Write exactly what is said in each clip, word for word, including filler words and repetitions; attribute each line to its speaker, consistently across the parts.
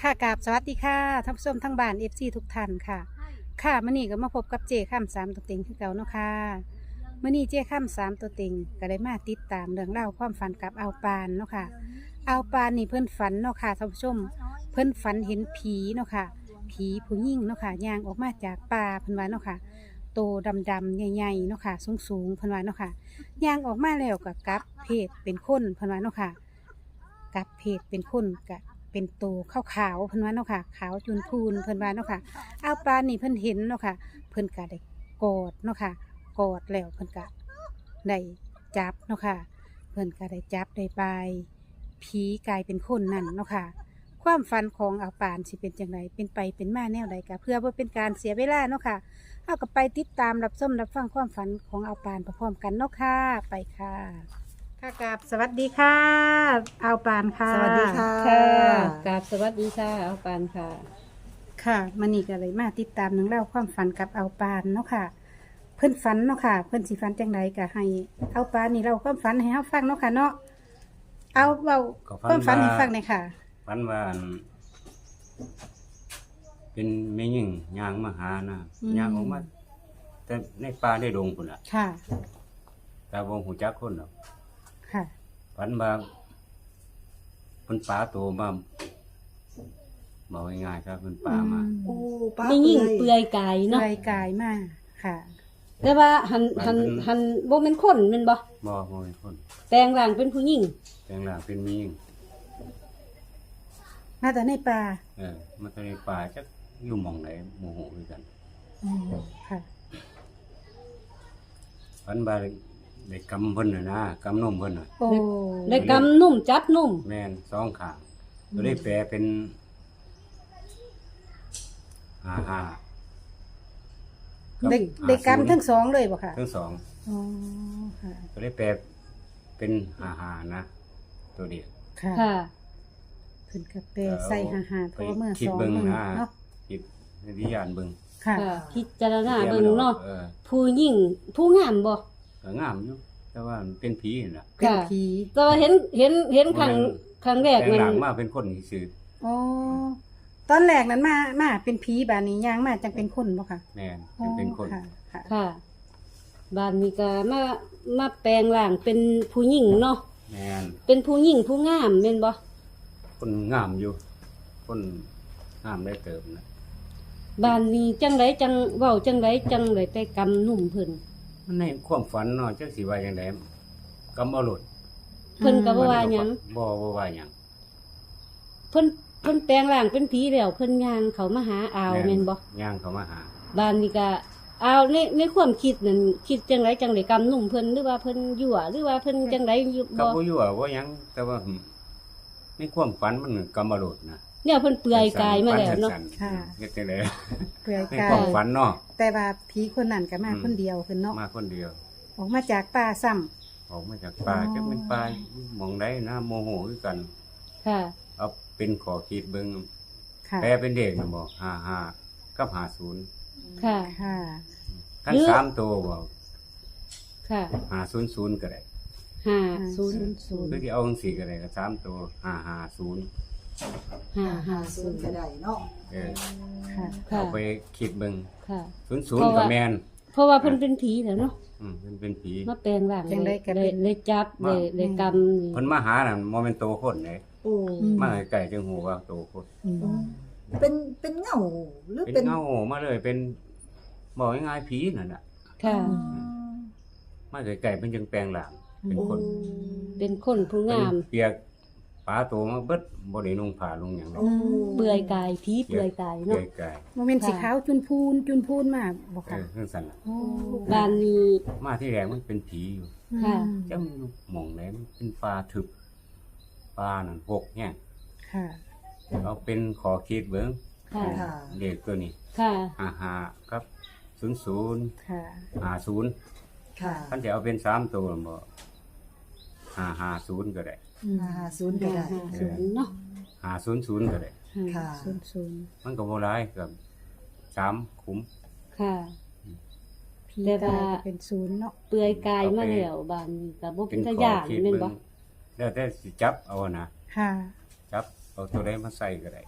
Speaker 1: ค่ะกราบสวัสดีค่ะท่านผู้ชมทั้งบ้านเอฟซีทุกท่านค่ะค่ะมื่อนี้ก็มาพบกับเจข้ามสามตัวเต็งคือเก่าเนาะค่ะมื่อนี้เจข้ามสามตัวเต็งก็ได้มาติดตามเรื่องเล่าวความฝันกับเอาปานเนาะค่ะเอาปานนี่เพิ่นฝันเนาะค่ะท่านผู้ชมเพิ่นฝันเห็นผีเนาะค่ะผีผู้หญิงเนาะค่ะย่างออกมาจากป่าเพิ่นว่าเนาะค่ะโตดำๆใหญ่ๆเนาะค่ะสูงๆเพิ่นว่าเนาะค่ะย่างออกมาแล้วก็กลับเพศเป็นคนเพิ่นว่าเนาะค่ะกลับเพศเป็นคนกะ เป็นตัวขาวขาวเพิ่นว่าเนาะค่ะขาวจุนพูนเพิ่นว่าเนาะค่ะเอาปลานี่เพิ่นเห็นเนาะค่ะเพิ่นก็ได้กอดเนาะค่ะกอดแล้วเพิ่นก็ได้จับเนาะค่ะเพิ่นก็ได้จับได้บายผีกลายเป็นคนนั่นเนาะค่ะความฝันของเอาปานสิเป็นจังไดเป็นไปเป็นมาแนวใดก็เพื่อบ่เป็นการเสียเวลาเนาะค่ะเอาก็ไปติดตามรับชมรับฟังความฝันของเอาปานพร้อมๆกันเนาะค่ะไปค่ะค่ะกับสวัสดีค่ะเอาปานค่ะ
Speaker 2: สวัสดีค่ะ
Speaker 3: ค่ะกราบสวัสดีค่ะเอาปานค่ะ
Speaker 1: ค่ะมันนี่ก็เลยมาติดตามหนังเล่องราวความฝันกับเอาปานเนาะค่ะ เพิ่นฝันเนาะค่ะ เพิ่นสิฝันจังไดก็ให้เอาปานนี่เราความฝันให้เฮาฟังเนาะค่ะเนาะเอาเว้า
Speaker 2: ก็
Speaker 1: ความฝันให้
Speaker 2: ว่า
Speaker 1: ฟังหน่อยค่ะ
Speaker 2: ฝันว่าอันเป็นแม่หญิงย่างมาหานะ
Speaker 1: อืม
Speaker 2: ย่างออกมาแต่ในป่าได้ดงพุ่นน่ะ
Speaker 1: ค่ะ
Speaker 2: แต่บ่ฮู้จักคนหรอก
Speaker 1: ค่ะ
Speaker 2: ฝันว่าเพิ่นป่าโตมาบอกง่ายๆครับเพิ่นป่ามา
Speaker 1: อื
Speaker 4: โอ้
Speaker 1: ม
Speaker 4: ป้า
Speaker 3: ไม่ยิ่งเปลือยกาย
Speaker 1: เลื่
Speaker 3: เนาะ
Speaker 1: อยกายมากค่ะ
Speaker 3: แต่ว่าหันหันหันบ่เป็นคนแม่นบ่
Speaker 2: บ่บ่เป็นคน
Speaker 3: แปลงร่างเป็นผู้หญิง
Speaker 2: แต่งร่างเป็นแม่หญิง
Speaker 1: มาแต่ในป่า
Speaker 2: เออมาแต่ในป่าจักอยู่หม่องไหนบ่ฮู้คือกัน
Speaker 1: อืมค่ะ
Speaker 2: ฝันว่าได้กำเพิ่นน่ะนะกำนมเพิ่นน่ะ
Speaker 1: โอ้
Speaker 3: ได้กำนุ่มจับนุ่ม
Speaker 2: แม่นสองข้างก็ได้แปลเป็นห้าห้า
Speaker 1: ได้ได้กรรมทั้งสองเลยบ่ค่ะ
Speaker 2: ทั้งสอง
Speaker 1: อ๋อค่ะ
Speaker 2: ก็ได้แปลเป็นห้าห้านะ ตัวเดียว
Speaker 1: ค่ะ
Speaker 3: ค่ะ
Speaker 1: เพิ่นก็แปลใส่หาหาโทรเมื่อ
Speaker 2: คิด
Speaker 1: สอง
Speaker 2: เบิ่ง
Speaker 1: หนึ่ง
Speaker 2: นะ
Speaker 1: เนาะ
Speaker 2: คิดวิญญาณเบิ่ง
Speaker 1: ค่ะ
Speaker 3: ค่ะ พิจารณาเบิ่งเนาะ
Speaker 2: เออ
Speaker 3: ผู้หญิงผู้งามบ่
Speaker 2: ก็งามอยู่แต่ว่ามันเป็นผีนั่นล่ะ
Speaker 1: เป็น
Speaker 3: ค่ะ
Speaker 1: ผี
Speaker 3: แต่ว่าเห็นเห็นเห็นครั้ง
Speaker 2: บ่แม่น
Speaker 3: ครั้งแรก
Speaker 2: แต่
Speaker 3: มัน
Speaker 2: หลังมาเป็นคนซื่อ
Speaker 1: อ๋อตอนแรกนั้นมามาเป็นผีบานนี้ย่างมาจังเป็นคนบ่ค่ะ
Speaker 2: แม่นจะเป็นคน
Speaker 1: อ๋อค่ะค่ะ
Speaker 3: ค่ะบ้านนี้ก็มามาแปลงร่างเป็นผู้หญิงเนาะ
Speaker 2: แม่น
Speaker 3: เป็นผู้หญิงผู้งามแม่นบ่
Speaker 2: คนงามอยู่ คนงามได้เติมนะ
Speaker 3: บ้านนี้จังไดจังเว้าจังไดจังไดไปกำนุ่มเพิ่น
Speaker 2: มันในความฝันเนาะจักสิว่าจังไดกำเอาหลด
Speaker 3: เพิ่นก็บ่ว่าหยัง
Speaker 2: บ่บ่ว่าหยัง
Speaker 3: เพิ่นเพิ่นแปลงร่างเป็นผีแล้วเพิ่นย่างเขามาหาอาวแม่นบ่
Speaker 2: ย่างเขามาหา
Speaker 3: บ้านนี้ก็อาวในในความคิดนั่นคิดจังไดจังไดกำนุ่มเพิ่นหรือว่าเพิ่นยั่วหรือว่าเพิ่นจังไดอยู่
Speaker 2: ก็
Speaker 3: บ่
Speaker 2: บ่อยู่ว่าบ่หยังแต่ว่าในความฝันมันกำมาโดดนะ
Speaker 3: เนี่ยเพิ่นเปลือยกายมาแล้วเนาะ
Speaker 2: ฝัสั้ๆ
Speaker 1: ค่ะ
Speaker 2: เฮ็ดจังได๋
Speaker 1: เปลือย
Speaker 2: ใน
Speaker 1: กา
Speaker 2: ความ
Speaker 1: ย
Speaker 2: ฝันเนาะ
Speaker 1: แต่ว่าผีคนนั้นก็มา
Speaker 2: อืม
Speaker 1: คนเดียวขึ้นเนาะ
Speaker 2: มาคนเดียว
Speaker 1: ออกมาจากป่าซ้ำ
Speaker 2: ออกมาจากป่า
Speaker 1: อ๋อ
Speaker 2: จะเป็นป่าหมองใดนะโมโหคือกัน
Speaker 3: ค่ะ
Speaker 2: เอาเป็นขอคิดเบิ่ง
Speaker 1: ค่ะ
Speaker 2: แปลเป็นเด็กน่ะบ่ห้าห้ากับห้าศูนย์
Speaker 3: ค่ะ
Speaker 1: ค่ะ
Speaker 2: คัน
Speaker 3: หรือ
Speaker 2: สามตัวบ่
Speaker 3: ค่ะ
Speaker 2: ห้าศูนย์ศูนย์ก็ได้
Speaker 3: ห้า
Speaker 1: ศู
Speaker 3: ศู
Speaker 1: น
Speaker 3: น
Speaker 1: ย์
Speaker 3: ย์
Speaker 1: ศูนย์
Speaker 2: หรือที่เอาจังซี่ก็ได้ก็สามตัวห้าห้าศูนย์
Speaker 3: ห้า
Speaker 4: หา
Speaker 3: ห้า
Speaker 4: ศู
Speaker 3: ศู
Speaker 4: น
Speaker 3: น
Speaker 4: ย์
Speaker 3: ย์
Speaker 4: ก็ได้เนาะ
Speaker 2: เออ
Speaker 1: ค่ะ
Speaker 3: ค่ะ
Speaker 2: เอาไปคิดเบิ่ง
Speaker 3: ค่ะ
Speaker 2: ศูนย์ศูนย์ก็แม่น
Speaker 3: เพราะว่าเพิ่นเป็นผีแล้วเนาะ
Speaker 2: อืมมันเป็นผี
Speaker 3: มาแปลงร่าง
Speaker 1: จังได๋ก็
Speaker 3: ได้
Speaker 1: เป็น
Speaker 3: ได้จับ
Speaker 2: มา
Speaker 3: ได้ได้กำนี่
Speaker 2: เพิ่นมาหาน่ะบ่แม่นโตคนเด้
Speaker 4: โอ้
Speaker 1: อืม
Speaker 2: มาใกล้ๆจังฮู้ว่าโตคน
Speaker 1: อืม
Speaker 4: เป็นเป็นเงาหรือ
Speaker 2: เป็น
Speaker 4: เป็น
Speaker 2: เงามาเลยเป็นบอกง่ายๆผีนั่นน่ะ
Speaker 3: ค่ะ
Speaker 4: อืม
Speaker 2: มาไกลๆเป็นจังแปลงหลังเป็นคน
Speaker 3: เป็นคนผู้งาม
Speaker 2: เป็นเปียกปลาโตมาเบิดบ่ได้นุ่งผ้านุ่งหยังหรอก
Speaker 4: โอ้
Speaker 3: เปลือยกายผีเปลือยกาย
Speaker 2: เปี
Speaker 3: เนาะ
Speaker 2: ยกกาย
Speaker 1: โมเมนต์สีขาวจุนพูนจุนพูนมาบ่
Speaker 2: เอ
Speaker 1: ค่ะ
Speaker 2: อจังซั่นน่ะ
Speaker 1: โอ้
Speaker 3: บ้านนี้
Speaker 2: มาที่แรกมันเป็นผีอยู่
Speaker 3: ค่ะ
Speaker 2: จังหม่องไหนมันเป็นปลาทึบปลานั่นหกแห้ง
Speaker 1: ค่ะ
Speaker 2: เอาเป็นขอคิดเบิ่ง
Speaker 3: ค่ะ
Speaker 4: ค่ะ
Speaker 2: เด็กตัวนี้
Speaker 3: ค่ะ
Speaker 2: ห้าห้าครับศูนย์ศูนย์
Speaker 1: ค่ะ
Speaker 2: ห้าศูนย์
Speaker 4: ค่ะ
Speaker 2: คันจะเอาเป็นสามตัวบ่ห้าห้าศูนย์ก็ได้
Speaker 1: อืม
Speaker 4: หาศูนย์ก็ได้
Speaker 3: ห้าศูนย์เนาะ
Speaker 2: ห้าศูนย์ศูนย์ก็ได้
Speaker 1: ห้า
Speaker 4: ค่ะ
Speaker 1: ศูนย์ศูนย์
Speaker 2: มันก็บ่หลายกับสามขุม
Speaker 3: ค่ะ
Speaker 1: ผี
Speaker 3: แต่
Speaker 1: กา
Speaker 3: ว่า
Speaker 1: ยก็เป็นศูนย์เนาะ
Speaker 3: เปลือยกายมาแล้วบ้านนี้ก็บ่
Speaker 2: เป็
Speaker 3: เป็น น
Speaker 2: ข
Speaker 3: ตา
Speaker 2: อ
Speaker 3: ย่าน
Speaker 2: คิด
Speaker 3: แม่น
Speaker 2: เบิ่
Speaker 3: บ่
Speaker 2: งแล้วแต่สิจับเอานะ
Speaker 1: ค่ะ
Speaker 2: จับเอาตัวใดมาใส่ก็ได้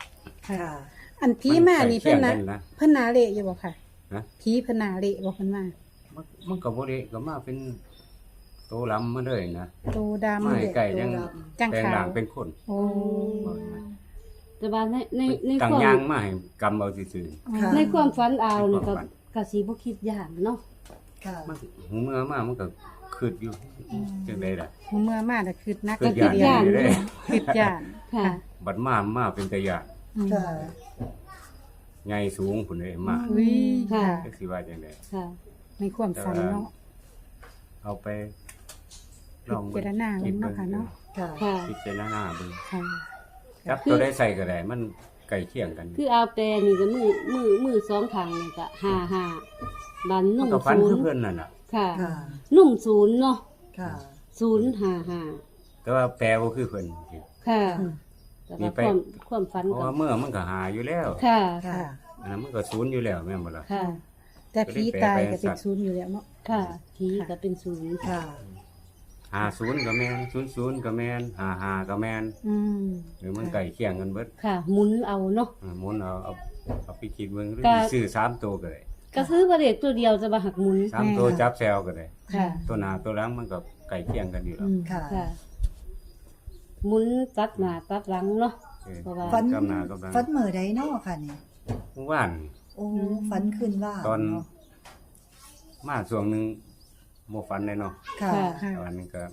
Speaker 1: ค่ะ
Speaker 4: ค่ะ
Speaker 1: อันผีมานี่เพิ่นนะ
Speaker 2: ใกล้คียงกันะ
Speaker 1: เพิ่นนาเละอยู่บ่ค่ะ
Speaker 2: ฮะ
Speaker 1: ผีเพิ่นนาเละบ่เพิ่นมา
Speaker 2: มันมันก็บ่ได้ก็มาเป็นโตลำมาเลยนะ
Speaker 1: โตดำ
Speaker 2: ไม่ไก่ยัง
Speaker 1: จัง
Speaker 2: แปลง
Speaker 1: ขา
Speaker 2: ร่าว งเป็นคน
Speaker 1: โอ้
Speaker 3: แต่ว่าในในใน
Speaker 2: ต่าง
Speaker 3: ความ
Speaker 2: ยางมาให้กำเอาซื่อ
Speaker 4: ค่ะ
Speaker 3: ในความฝันเอานี่ก็
Speaker 2: ในความฝัน
Speaker 3: ก็สิบ่คิดย่านเนาะ
Speaker 4: ค่ะ
Speaker 2: ๆมันหูเมื่อมามันก็คืดอยู่จังได๋ล่ะ
Speaker 1: หูเมื่อมาแต่คืดนัก
Speaker 2: คืด
Speaker 1: ก็
Speaker 2: ย่าน
Speaker 1: คืด
Speaker 2: อยู่เด้
Speaker 1: คืดย่าน
Speaker 3: ค่ะ
Speaker 2: บัดมามาเป็นตะยาน
Speaker 1: อืม
Speaker 4: ค่ะ
Speaker 2: ใหญ่สูงพุ่นเด้มา
Speaker 1: อุ้ยค่ะ
Speaker 2: จักสิว่าจังได๋
Speaker 3: ค่ะ
Speaker 1: ในความฝันเนาะ
Speaker 2: เอาไปลอง
Speaker 1: พิจารณาเบิ่งเนาะค่ะเนาะ
Speaker 4: ค่ะ
Speaker 3: ค่ะ
Speaker 2: พิจารณาเบิ่ง
Speaker 1: ค่ะ
Speaker 2: จับตัวได้ใส่ก็ได้มันใกล้เคียงกัน
Speaker 3: คือเอาแต่นี่ก็มือมือมือสองข้างนี่ก็ห้าห้าบัน
Speaker 2: มั
Speaker 3: นุ่
Speaker 2: น
Speaker 3: ม
Speaker 2: ก็ฟัน
Speaker 3: ศูน
Speaker 2: คือ
Speaker 3: ย์
Speaker 2: เพิ่นนั่นน่ะ
Speaker 3: ค่ะ
Speaker 4: ค่ะ
Speaker 3: นุ่มศูนย์เนาะ
Speaker 4: ค่ะ
Speaker 3: ศูนย์ห้าห้า
Speaker 2: แต่ว่าแปลบ่คือเพิ่น
Speaker 3: ค่ะ
Speaker 4: อืม
Speaker 3: แต่
Speaker 2: มี
Speaker 3: ว่า
Speaker 2: ไป
Speaker 3: ความความฝัน
Speaker 2: เพราะ
Speaker 3: ก็
Speaker 2: ว่าเมื่อมันก็หาอยู่แล้ว
Speaker 3: ค่ะ
Speaker 4: ค่ะ
Speaker 2: อันนั้นมันก็ศูนย์อยู่แล้วแม่นบ่ล่ะ
Speaker 3: ค่ะ
Speaker 1: แต่ผีตายก็เป็นศูนย์อยู่แล้วเนาะ
Speaker 3: ค่ะผีก็เป็นศูนย์
Speaker 4: ค่ะ
Speaker 2: หาศูนย์ก็แม่นศูนย์ศูนย์ก็แม่นหาหาก็แม่น
Speaker 1: อืม
Speaker 2: หรือมันใกล้เคียงกันเบิด
Speaker 3: ค่ะหมุนเอาเนาะ
Speaker 2: อ่าหมุนเอาเอาเอาไปคิดเบิ่งหรือ
Speaker 3: ก็
Speaker 2: สิซื้อสามตัวก็ได้
Speaker 3: ก็ซื้อประเด็กตัวเดียวจะมาหักหมุน
Speaker 2: สามตัวจับแซวก็ได้
Speaker 3: ค่ะ
Speaker 2: ตัวหน้าตัวหลังมันก็ใกล้เคียงกันอยู่แล้
Speaker 1: อื
Speaker 2: ว
Speaker 1: ม
Speaker 4: ค่ะ
Speaker 3: ค่ะหมุนตัดหน้าตัดหลังเนาะ
Speaker 2: เออ
Speaker 3: เพราะว่า
Speaker 4: ฟัน
Speaker 2: กำหน้ากำหลัง
Speaker 4: ฟันเหมือใดเนาะค่ะนี่
Speaker 2: เมื่อวาน
Speaker 4: โอ้ฟันขึ้นว่า
Speaker 2: ตอน
Speaker 4: เนาะ
Speaker 2: มาช่วงหนึงบ่ฝันเลยเนาะ
Speaker 4: ค่ะ
Speaker 3: ค่ะ
Speaker 1: ค่ะ
Speaker 2: ตอนนี้ก็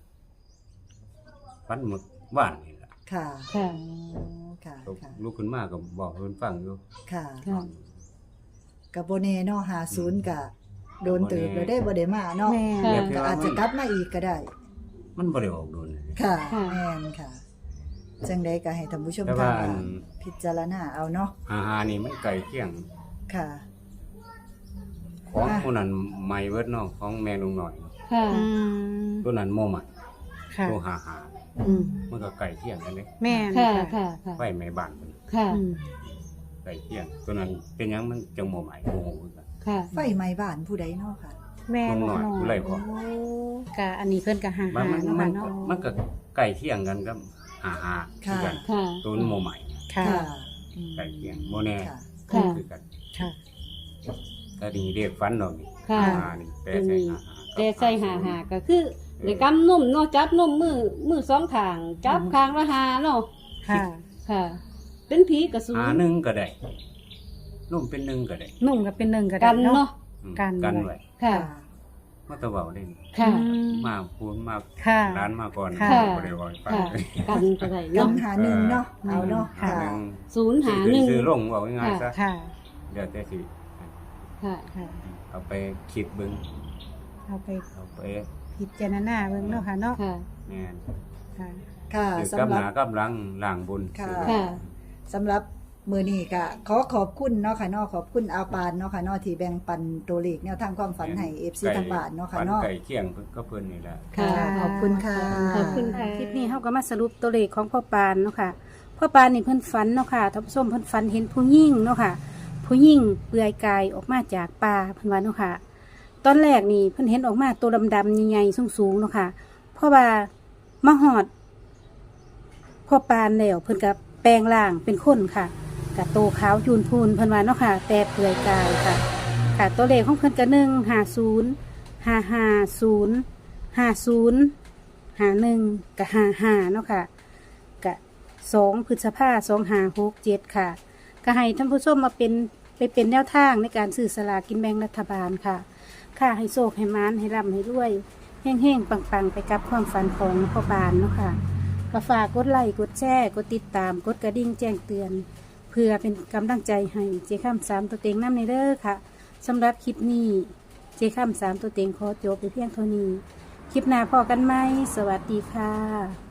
Speaker 2: ฝันเมื่อว่านนี่ล่ะ
Speaker 4: ค่ะ
Speaker 3: ค่ะ
Speaker 4: อ๋อค่ะ ค่ะ
Speaker 2: ลุกขึ้นมาก็บอกให้เพิ่นฟังอยู่
Speaker 4: ค่ะ
Speaker 3: ค่ะ
Speaker 4: กับโบเน่เนาะหาศูนย์กะโดนตื่นแล้วได้บ่ได้มาเนาะ
Speaker 1: แม่
Speaker 3: ค่ะ
Speaker 2: แบบที่
Speaker 4: ก็
Speaker 2: ว่า
Speaker 4: อาจ
Speaker 2: มั
Speaker 4: จะ
Speaker 2: น
Speaker 4: กลับมาอีกก็ได้
Speaker 2: มันบ่ได้ออกโดนเลย
Speaker 4: ค่ะ
Speaker 3: ค่ะ
Speaker 4: แม่นค่ะ จังใดก็ให้ท่านผู้ชม
Speaker 2: แต่
Speaker 4: ทา
Speaker 2: ว่าง อั
Speaker 4: บ้าน นพิจารณาเอาเนาะ
Speaker 2: หาหานี่มันใกล้เคียง
Speaker 4: ค่ะ
Speaker 2: ของ
Speaker 4: อ่ะ
Speaker 2: ผู้นั้นใหม่เบิดเนาะของแม่ลุงหน่อย
Speaker 3: ค่ะ
Speaker 1: อืม
Speaker 2: ตัวนั้นโมใหม่
Speaker 1: ค่ะ
Speaker 2: ตัวหาหา
Speaker 1: อืม
Speaker 2: มันก็ใกล้เคียงกันเลย
Speaker 1: แม่น
Speaker 3: ค่ะ
Speaker 1: ค่ะ
Speaker 3: ค่ะ ค่ะ
Speaker 2: ไฟแม่บ้านมัน
Speaker 3: ค่ะ
Speaker 1: อืม
Speaker 2: ใกล้เคียง ตัวนั้นเป็นหยังมันจังโมใหม่โมโหคือกัน
Speaker 3: ค่ะ
Speaker 4: ไฟไหม้บ้านผู้ใดเนาะค่ะ
Speaker 1: แม่
Speaker 2: น้องหน่อยผู้ไรพอ
Speaker 1: โอ้กะอันนี้เพิ่นก็หา
Speaker 2: มัน
Speaker 1: หา
Speaker 2: มัน
Speaker 1: เนาะ
Speaker 2: มั
Speaker 1: ค่ะ
Speaker 2: น
Speaker 1: เนาะ
Speaker 2: มันก็ใกล้เคียงกันกับหาหาคือกัน
Speaker 3: ค่ะ
Speaker 2: ตัวโมใหม่
Speaker 1: ค่ะ
Speaker 4: ค่ะอืม
Speaker 2: ใกล้เคียงโมแน่
Speaker 4: ค่ะ
Speaker 3: ค่ะ
Speaker 2: คือกัน
Speaker 1: ค่ะ
Speaker 2: ถ้าดีเรียกฟันดอกนี่
Speaker 3: ค่ะ
Speaker 2: หาหานี่แต่ใส่หาหา
Speaker 3: แต่ใส่หาหาก็คือในกำนุ่มเนาะจับนุ่มมือมือสองข้างจับข้างละหาเนาะ
Speaker 1: ค่ะ
Speaker 3: ค่ะ เป็นผีกระสู
Speaker 2: หาหนึ่งก็ได้นุ่มเป็นหนึ่งก็ได้
Speaker 1: นุ่มก็เป็นหนึ่งก็ได้
Speaker 3: กันเนาะ
Speaker 2: อืม
Speaker 1: กัน
Speaker 2: กัน
Speaker 1: ไว้
Speaker 2: ไว้
Speaker 3: ค่ะ
Speaker 2: มาตะเบาได้นี่
Speaker 3: ค่ะ
Speaker 1: อืม
Speaker 2: มาพูนมา
Speaker 1: ค่ะ
Speaker 2: ร้านมาก่อน
Speaker 1: ค่ะ
Speaker 2: บ่ได้ว่าให้ฟัง
Speaker 3: ค่ะ กันก็ได้
Speaker 4: กั
Speaker 3: เนาะ
Speaker 4: นหาหนึ่งเนาะเอาเนาะ
Speaker 1: ค่ะ
Speaker 4: ค่ะ
Speaker 3: ศูนย์หาหนึ่ง
Speaker 2: ซื้อลงเอาง่ายๆซะ
Speaker 1: ค่ะ
Speaker 2: เดี๋ยวแต่สิ
Speaker 3: ค่ะ
Speaker 1: ค่ะ
Speaker 2: เอาไปคิดเบิ่ง
Speaker 1: เอาไป
Speaker 2: เอาไป
Speaker 1: พิจารณาเบิ่งเนาะค่ะเนาะ
Speaker 3: ค่ะ
Speaker 2: แม่น
Speaker 1: ค่ะ
Speaker 4: ค่ะ
Speaker 2: คือ
Speaker 4: สำ
Speaker 2: กับ
Speaker 4: ห
Speaker 2: ห
Speaker 4: รับ
Speaker 2: น้ากับหลังล้างบุญ
Speaker 4: ค่ะ
Speaker 2: ซื้อ
Speaker 3: ค่ะ
Speaker 4: สำหรับมือนี้ก็ขอขอบคุณเนาะค่ะเนาะขอบคุณอาปานเนาะค่ะเนาะที่แบ่งปันตัวเลขแนวทางความฝันให้ เอฟ ซี ทางบ้านเนาะค่ะ
Speaker 2: ฝั
Speaker 4: เนาะ
Speaker 2: ไก่เคียงเพิ่นก็เพิ่นนี่แหละ
Speaker 3: ค่ะ
Speaker 4: ขอบคุณค่ะ
Speaker 3: ขอบคุณค่ะ
Speaker 1: คลิปนี้เฮาก็มาสรุปตัวเลขของพ่อปานเนาะค่ะพ่อปานนี่เพิ่นฝันเนาะค่ะท่านผู้ชมเพิ่นฝันเห็นผู้หญิงเนาะค่ะ ผู้หญิงเปลือยกายออกมาจากป่าเพิ่นว่าเนาะค่ะ ตอนแรกนี่เพิ่นเห็นออกมาตัวดำๆใหญ่ๆสูงๆเนาะค่ะ เพราะว่ามาหอดพ่อปานแล้วเพิ่นก็แปลงร่างเป็นคนค่ะกะโตขาวยูนพูนเพิ่นว่าเนาะค่ะ แต่เปลือยกายค่ะ ค่ะตัวเลขของเพิ่นก็หนึ่งห้าศูนย์ห้าห้าศูนย์ห้าศูนย์ห้าหนึ่งกับห้าห้าเนาะค่ะกะสองพฤษภาสองห้าหกเจ็ดค่ะก็ให้ท่านผู้ชมมาเป็นไปเป็นแนวทางในการซื้อสลากกินแบ่งรัฐบาลค่ะ ค่ะให้โชคให้มานให้ร่ำให้รวยแห้งๆปังๆ ไปกับความฝันของพ่อบานเนาะค่ะก็ฝากกดไลค์กดแชร์กดติดตามกดกระดิ่งแจ้งเตือน เพื่อเป็นกำลังใจให้เจ้าข้ามสามตัวเต็งน้ำในเด้อค่ะสำหรับคลิปนี้เจ้าข้ามสามตัวเต็งขอจบไปเพียงเท่านี้ คลิปหน้าพอกันไหมสวัสดีค่ะ